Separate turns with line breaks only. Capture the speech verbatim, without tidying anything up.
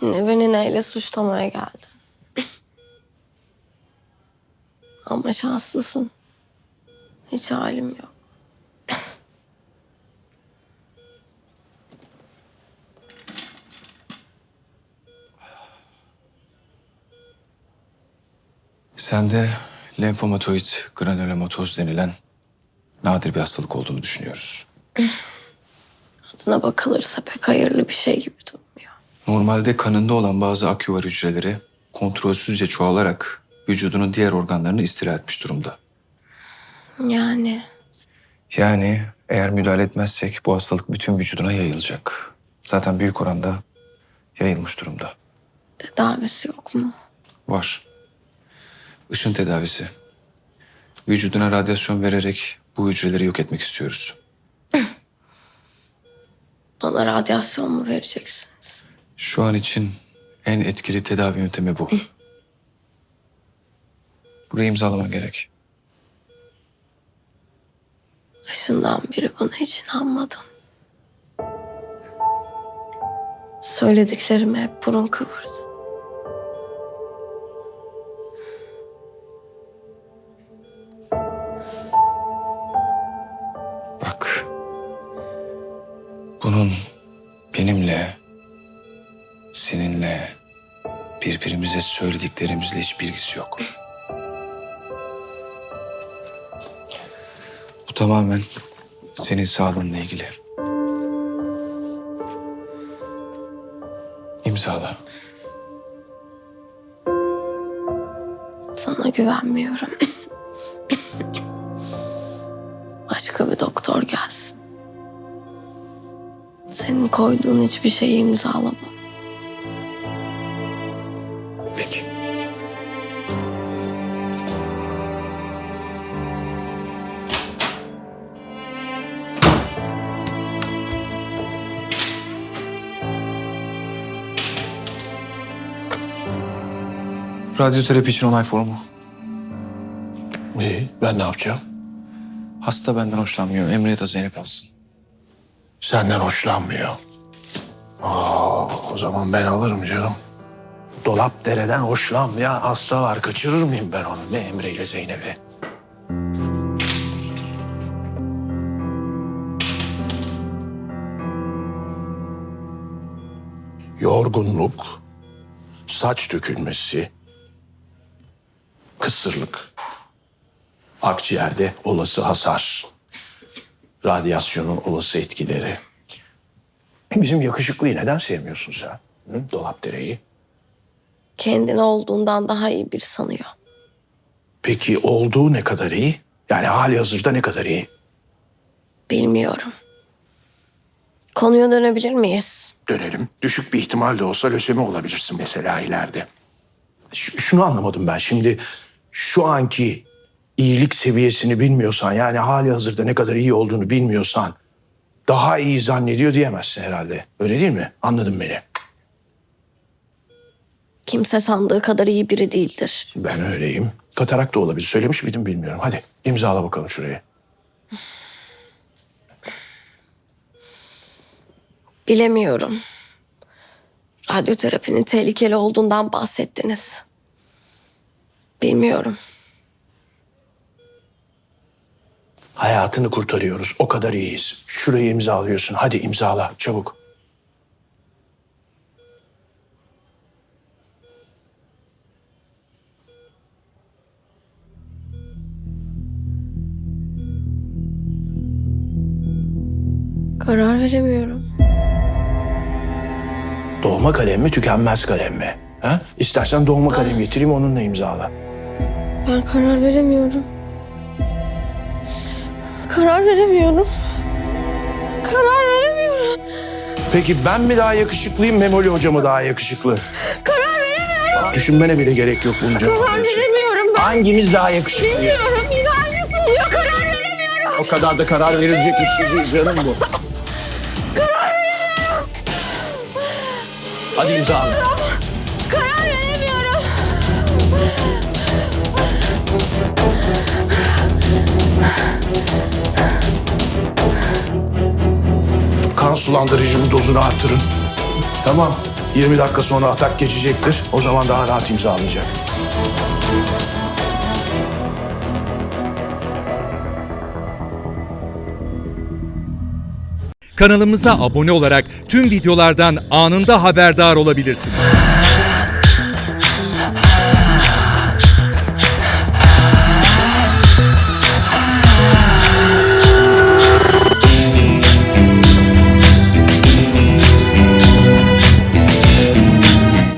Yine beni neyle suçlamaya geldin? Ama şanslısın. Hiç halim yok.
Sende lenfomatoid granülomatoz denilen nadir bir hastalık olduğunu düşünüyoruz.
Adına bakılırsa pek hayırlı bir şey gibi durmuyor.
Normalde kanında olan bazı aküvar hücreleri kontrolsüzce çoğalarak vücudunun diğer organlarını istila etmiş durumda.
Yani
Yani eğer müdahale etmezsek bu hastalık bütün vücuduna yayılacak. Zaten büyük oranda yayılmış durumda.
tedavisi yok mu?
Var. Işın tedavisi. Vücuduna radyasyon vererek bu hücreleri yok etmek istiyoruz.
Bana radyasyon mu vereceksiniz?
Şu an için en etkili tedavi yöntemi bu. Burayı imzalaman gerek.
Başından beri bana hiç inanmadın. Söylediklerime hep burun kıvırdın.
Bak. Bunun benimle, seninle, birbirimize söylediklerimizle hiç bilgisi yok. Bu tamamen senin sağlığınla ilgili. İmzala.
Sana güvenmiyorum. Başka bir doktor gelsin. Senin koyduğun hiçbir şeyi imzalamam.
Peki. Radyoterapi için onay formu.
İyi, ben ne yapacağım?
Hasta benden hoşlanmıyor. Emre de Zeynep alsın.
Senden hoşlanmıyor. Aa, o zaman ben alırım canım. Dolap dereden hoşlanmayan hasta var. Kaçırır mıyım ben onu? Ne Emre ile Zeynep'i? Yorgunluk, saç dökülmesi, kısırlık, akciğerde olası hasar, radyasyonun olası etkileri. Bizim yakışıklıyı neden sevmiyorsun sen? Hı? Dolapdere'yi.
Kendini olduğundan daha iyi bir sanıyor.
Peki olduğu ne kadar iyi? Yani hali hazırda ne kadar iyi?
Bilmiyorum. Konuya dönebilir miyiz?
Dönelim. Düşük bir ihtimal de olsa lösemi olabilirsin mesela ileride. Ş- şunu anlamadım ben şimdi. Şu anki iyilik seviyesini bilmiyorsan, yani hali hazırda ne kadar iyi olduğunu bilmiyorsan daha iyi zannediyor diyemezsin herhalde. Öyle değil mi? Anladın beni.
Kimse sandığı kadar iyi biri değildir.
Ben öyleyim. Katarak da olabilir. Söylemiş miydim bilmiyorum. Hadi imzala bakalım şurayı.
Bilemiyorum. Radyoterapinin tehlikeli olduğundan bahsettiniz. Bilmiyorum.
Hayatını kurtarıyoruz. O kadar iyiyiz. Şurayı imzalıyorsun. Hadi imzala çabuk.
Karar veremiyorum.
Dolma kalem mi, tükenmez kalem mi? Ha? İstersen dolma kalem getireyim, onunla imzala.
Ben karar veremiyorum. Karar veremiyorum. Karar veremiyorum.
Peki ben mi daha yakışıklıyım, Memoli Hoca mı daha yakışıklı?
Karar veremiyorum.
Düşünmene bile gerek yok bunca.
Karar veremiyorum ben.
Hangimiz daha yakışıklıyız?
Bilmiyorum. Yine hangisi oluyor? Karar veremiyorum.
O kadar da karar verilecek bir şey değil canım bu.
Karar veremiyorum.
Hadi imzala.
Karar veremiyorum.
Kan sulandırıcının dozunu artırın. Tamam. yirmi dakika sonra atak geçecektir. O zaman daha rahat imzalayacak.
Kanalımıza abone olarak tüm videolardan anında haberdar olabilirsiniz.